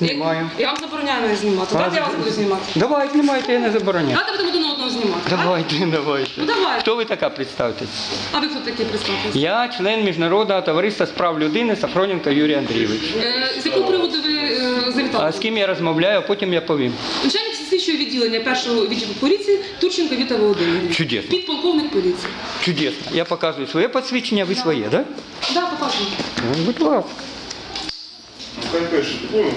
Знімаю. Я вам забороняю мене знімати. Давайте я вас буду знімати. Давай, знімайте, я не забороняю. Давайте будемо один одного знімати. Давайте. Ну давайте. Хто ви така, представтесь? А ви хто такий, представтесь? Я член Міжнародного товариства з прав людини Сафроненко Юрій Андрійович. З якого приводу ви завітали? А з ким я розмовляю, а потім я повім. Начальник слідчого відділення першого відділу поліції Турченко Віта Володимирівна. Чудесно. Підполковник поліції. Чудесно. Я показую своє посвідчення, ви своє, так? Да, показую. Ну, будь ласка. Хай пише, ти понял?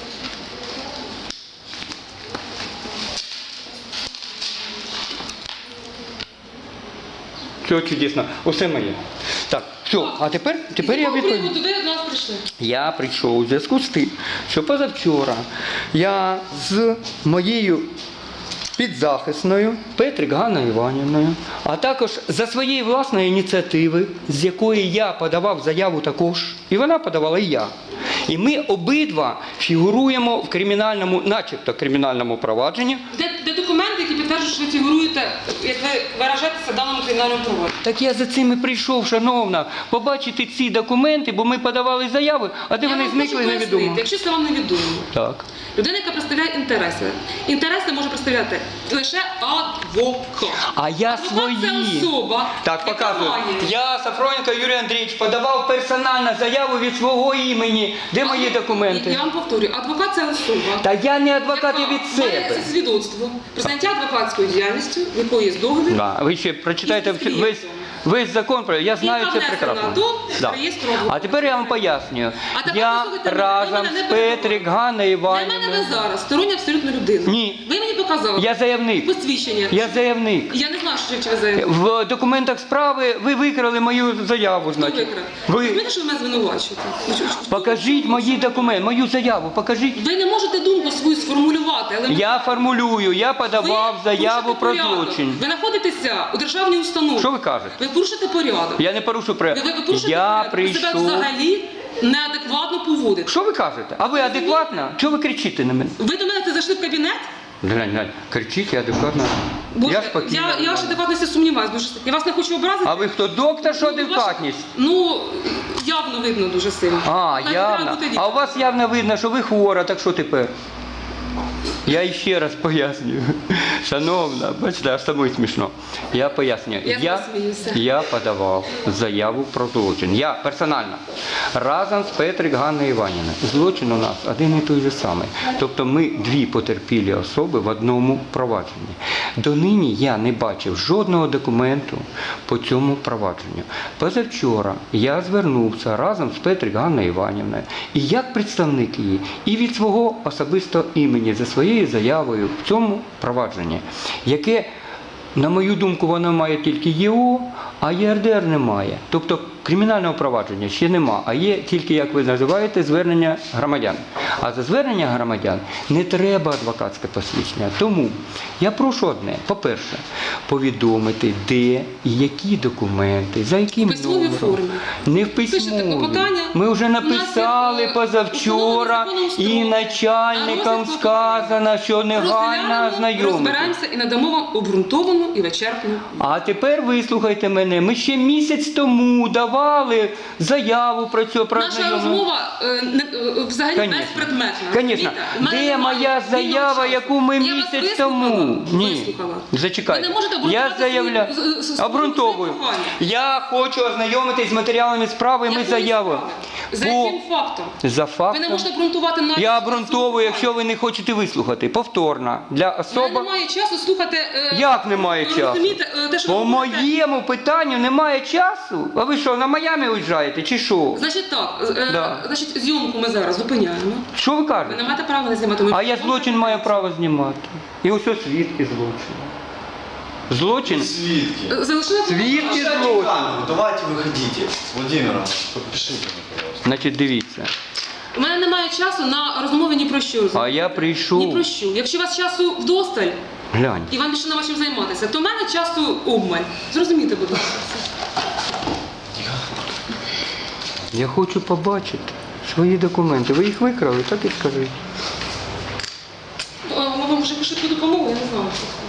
Все чудесно. Усе моє. Так, все. А тепер З я якого відповім. приводу ви до нас прийшли? Я прийшов у зв'язку з тим, що позавчора я з моєю підзахисною Петрик Ганною Іванівною, а також за своєї власної ініціативи, з якої я подавав заяву також, і вона подавала і я. І ми обидва фігуруємо в кримінальному, начебто кримінальному провадженні. Де документи, які підтверджують, що ви фігуруєте, як ви виражаєтеся в даному кримінальному провадженні? Так я за цим і прийшов, шановна, побачити ці документи, бо ми подавали заяви, а де Я вони вам зникли, хочу невідомо. пояснити, якщо це вам невідомо. Так. Людина, яка представляє інтереси. Інтереси може представляти лише адвокат. А я Адвокат свої. це особа, Так, яка показую. має. Я, Сафроненко Юрій Андрійович, подавав персонально заяву від свого імені. Де мої документи? Я вам повторюю, адвокат це особа. Та я не адвокат, я яка від себе. має свідоцтво про заняття адвокатською діяльністю, в якої є договір. Да, ви ще прочитайте І з весь закон, я знаю яка це внесена прекрасно. до реєстру адвокатів. А тепер я вам пояснюю. А тепер Я послухайте мене, разом ви мене з не Петрик Ганною Для мене Іванівною. ви зараз стороння абсолютно людина. Ні. Ви мені показали Я заявник. посвідчення. Я заявник. Я не знаю, що ви заявник. В документах справи ви викрали мою заяву, Хто значить. викрав? Ви Розумієте, що ви мене звинувачуєте? покажіть мої документи, мою заяву, покажіть. Ви не можете думку свою сформулювати, але Я формулюю, я ви подавав заяву порушите про порядок. злочин. Ви знаходитеся у державній установі. Що ви кажете? Ви порушите порядок. Я не порушую Ви порушите Я порядок. Ви себе прийшов. взагалі неадекватно поводите. Що ви кажете? А ви адекватна? Чого ви кричите на мене? Ви до мене зайшли в кабінет? Глянь, кричіть, я адекватна. Боже, Я спокійна. я ж адекватності сумніваюся, бо я вас не хочу образити. А ви хто, доктор, що адекватність? Ну, явно видно дуже сильно. А, Навіть явно. треба бути А у вас явно видно, що ви хвора, так що тепер? Я ще раз пояснюю. Шановна, бачите, аж самому смішно. Я пояснюю. Я засміюся. Я подавав заяву про злочин. Я персонально. Разом з Петрик Ганною Іванівною. Злочин у нас один і той же самий. Тобто ми дві потерпілі особи в одному провадженні. Донині я не бачив жодного документу по цьому провадженню. Позавчора я звернувся разом з Петрик Ганною Іванівною і як представник її, і від свого особистого імені за своєю заявою в цьому провадженні, яке, на мою думку, воно має тільки ЄО, а ЄРДР немає. Тобто кримінального провадження ще нема, а є тільки, як ви називаєте, звернення громадян. А за звернення громадян не треба адвокатське посвідчення. Тому я прошу одне. По-перше, повідомити, де і які документи, за яким В письмовій номером. формі. Не в Пишете письмовій. клопотання. Ми вже У нас є, написали позавчора установлений законом і строк. начальникам Розгляд сказано, що негайно Розглянемо, ознайомити. розберемося і надамо вам обґрунтовану і вичерпну. А тепер вислухайте мене. Ми ще місяць тому давали заяву про цю про Наша знайомлення. розмова взагалі Конечно. безпредметна. Конечно. Розумієте? В мене Де немає моя вільного заява, часу. яку ми Я вас місяць вислухала? тому? Ні. Вислухала. Зачекайте. Ви не можете Я обґрунтувати заявляю. свої Обґрунтовую. прохання. Я хочу ознайомитись з матеріалами справи, ми Якої заяву. справи? За Бо- яким фактом? За Ви не фактом. можете обґрунтувати навіть. Я свої обґрунтовую, прохання. якщо ви не хочете вислухати. Повторно. Для У мене особи. немає часу слухати. Як немає часу? Розумієте, те, що ви По говорите. моєму питанню немає часу. А ви що, на Майамі уїжджаєте чи що? Значить так, Да. значить, зйомку ми зараз зупиняємо. Що ви Ви кажете? не маєте права не знімати. Ми А я злочин маю право знімати. І ось свідки злочину. Злочин? Свидки. Залишили Свідки злочину. Давайте выходите. Владимир, подпишите мне, пожалуйста. Значить, дивіться. У мене немає часу на розмови ні про що. А я Ні прийшов. про що. Якщо у вас часу вдосталь, Глянь. і вам більше нема чим займатися, то в мене часу обмаль. Зрозумійте, будь ласка. Я хочу побачити свої документи. Ви їх викрали, так і скажіть. Ми вам вже швидку допомогу, я не знаю.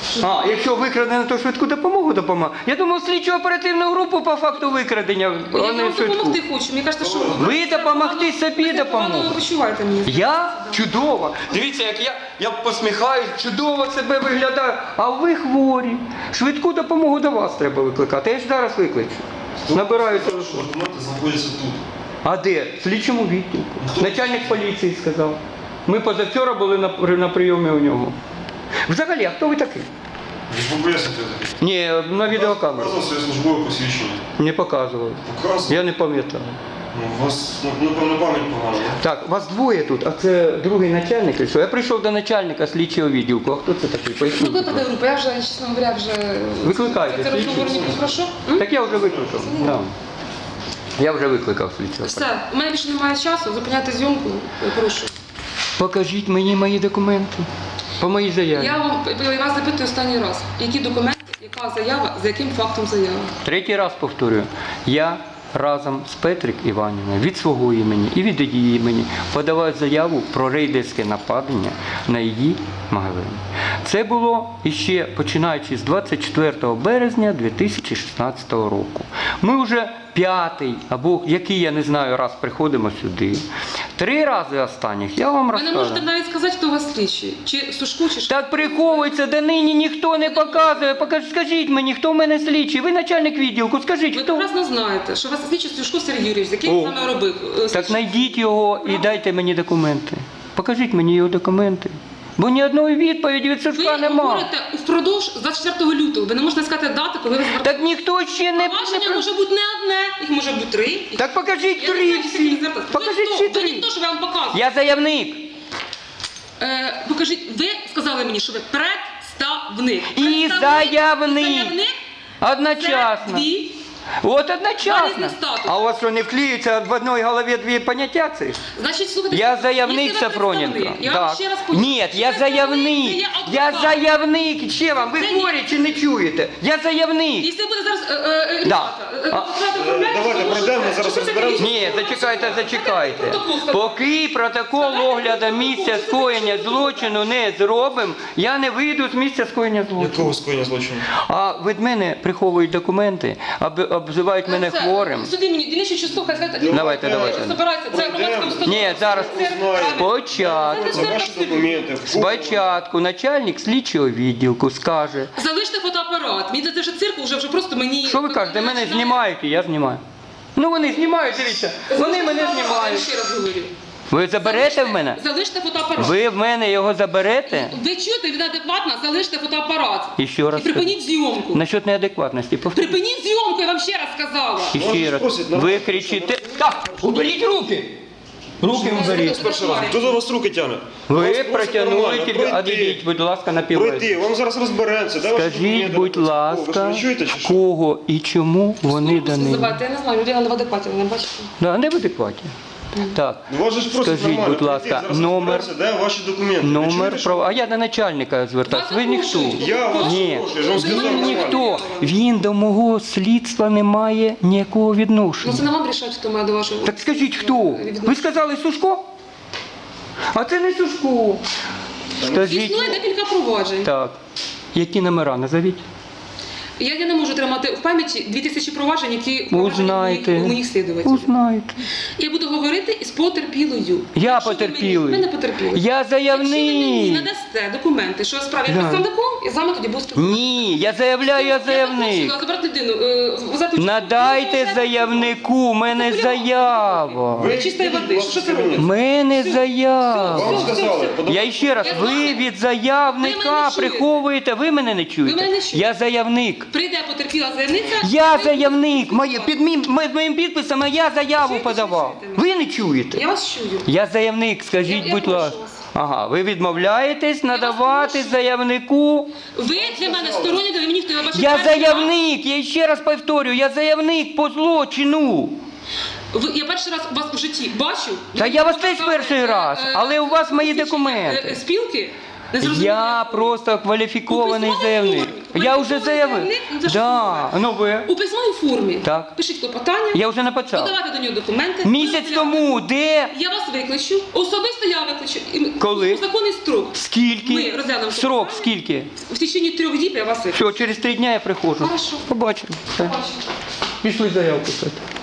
А, якщо викрадено, то швидку допомогу допомагає. Я думав, слідчо-оперативну групу по факту викрадення, Я а не вам швидку. допомогти хочу. Мені кажете, що Ви допомогти собі ви допомогти. погано почуваєте мені. Я чудово. Дивіться, як я посміхаюсь, чудово себе виглядаю. А ви хворі. Швидку допомогу до вас треба викликати. Я ж зараз викличу. Набираю телефон. Документы находятся тут. А де? В слідчому відділку. Начальник поліції сказав. Ми позавчора були на прийомі у нього. Взагалі, а хто ви такий? Ви ж поясните. Ні, на відеокамеру. Показував своє службове посвідчення. Не показували. Показував? Я не пам'ятаю. Ну, у вас, напевно, пам'ять погана, да? Так, вас двоє тут, а це другий начальник. чи що? Я прийшов до начальника слідчого відділку. А хто це такий? Поясніть. Викликати групу, я вже, чесно говоря, вже... Викликайте, Це розговор не слідчий. прошу. Так я вже викликав. Да. Я вже викликав слідчого. Все, у мене більше немає часу, зупиняти зйомку, я прошу. Покажіть мені мої документи. По моїй заяві. Я вас запитую останній раз, які документи, яка заява, за яким фактом заява? Третій раз повторюю. Я разом з Петрик Іванівною від свого імені і від її імені подавав заяву про рейдерське нападення на її магазин. Це було іще починаючи з 24 березня 2016 року. Ми вже п'ятий, або який, я не знаю, раз приходимо сюди. 3 рази останніх я вам Ви не розказую. можете навіть сказати, хто у вас слідчий, чи Сушку, чи Так приховується, до нині ніхто не показує. Скажіть мені, хто в мене слідчий? Ви начальник відділку, скажіть, Ви хто? прекрасно знаєте, що у вас слідчий Сушко Сергій Юрійович, з яким О. саме робив? Так знайдіть його і дайте мені документи. Покажіть мені його документи. Бо ні одної відповіді від Ви Сушка нема. говорите впродовж 24 лютого, ви не можете сказати дати, коли ви звертаєтеся. Так ніхто ще не... Провадження може бути не одне, їх може бути 3. Так покажіть Я не 3 знаю, чи всі. ви звертаєтесь. Покажіть Ви всі хто? Ви 3. ніхто, що я вам показую. Я заявник. Покажіть, ви сказали мені, що ви представник. І Представник, заявник. Заявник це Одночасно. дві. От Два одночасно. різних статуси. А у вас що, не вклеюється в одній голові 2 поняття цих? Значить, слухайте, Я заявник якщо ви Сафроненко. представник, я вам ще раз Ні, я заявник. Я заявник. Ще вам, ви Це хворі чи не чуєте? Я заявник. Якщо буде зараз Да. Давайте пройдемо, зараз розберемося. Ні, зачекайте. Поки протокол огляду місця скоєння злочину не зробимо, я не вийду з місця скоєння злочину. Якого скоєння злочину? А від мене приховують документи, обзивають мене хворим. Суди мені, дільниче число, хай знаєте. Давайте. Збирається, це громадська установа. Ні, зараз Узнаємо. спочатку. Це ваші документи. Спочатку начальник слідчого відділку скаже, Залиште фотоапарат. Мені це вже цирк, вже просто мені... що ви кажете, мене знімають і я знімаю. Ну вони знімають, дивіться, вони мене Я знімають. ще раз говорю. Ви заберете в мене? Залиште фотоапарат. Ви в мене його заберете? Ви чуєте, він адекватно, залиште фотоапарат. І ще раз І припиніть зйомку. Насчет неадекватності, повторюю. Припиніть зйомку, я вам ще раз сказала. І ще раз. просять на Ви вас, кричите. Так, уберіть руки! Руки уберіть. Перший раз. Хто за вас руки тягне? Ви Вас просять протягнули нормально тільки, пройти. одійдіть, будь ласка, на Пройти, піввець. вам зараз розберемося. Де ваші Скажіть, документи? будь О, ви ласка, ж не чуєте, чи що? кого і чому вони дані? Називайте, я не знаю, людина не в адекваті, ви не бачите. Да, не в адекваті. Так, Ну, вас же ж просять скажіть, нормально будь пройти, ласка, зараз номер, розберемося, де ваші документи. Ви номер, чуєте, що? а я до начальника звертаюся, ви ніхто. Я вас Ні. прошу, я ж вам сказав Він нормально. ніхто, він до мого слідства не має ніякого Ну відношення. це не вам рішати, хто має до вашого. Так скажіть, хто? Ви сказали Сушко? А це не Сушко. Скажіть. Існує декілька проваджень. Так. Які номера назовіть? Я не можу тримати в пам'яті 2000 проваджень, які Узнайте. у моїх слідувачів. Узнайте. Я буду говорити із потерпілою. Я Якщо ви потерпілий. мені- Ви не потерпіли. Я Якщо ви мені заявник. надасте документи, що я справі Да. представником, я з вами тоді буду спілкуватися. Ні, я заявляю, я заявник. Забрати людину, взяти участь. Надайте заявнику, у мене заява. Ви Чистої води. ваші Що це документи. У мене заява. Вам сказали, Я ще раз, Я ви знаю. від Ви заявника мене не чуєте. приховуєте, ви мене не Ви чуєте. мене не чуєте. Я заявник. Прийде потерпіла заявниця. Я ви- заявник. Під моїм підписом я заяву Чуєте, подавав. чуєте мене? Ви не чуєте? Я вас чую. Я заявник, скажіть, Я будь прошу ласка. вас. Ага, ви відмовляєтесь надавати прошу. заявнику. Ви для мене сторонні, ви мені хто я бачу. Я перший раз. заявник, я ще раз повторю, я заявник по злочину. Я перший раз вас в житті бачу. Та я вас теж перший раз, але у вас мої документи. Спілки. Не зрозуміло, Я якої? просто кваліфікований У письмовій заявник. формі. Я Ви вже письмовий заявив. заявник? Ну, це що Да. таке? Ну ви? У письмовій формі. Так. Пишіть клопотання. Я вже написав. Подавайте до нього документи. Місяць Ми тому, де? Я вас викличу. Особисто я викличу. І ми- Коли? У законний строк. Скільки? Ми розглянемо Срок клопотання. скільки? В течение 3 діб я вас викличу. Все, через 3 дня я приходжу. Хорошо. Побачимо. Все. Бачу. Пішли заявку писати.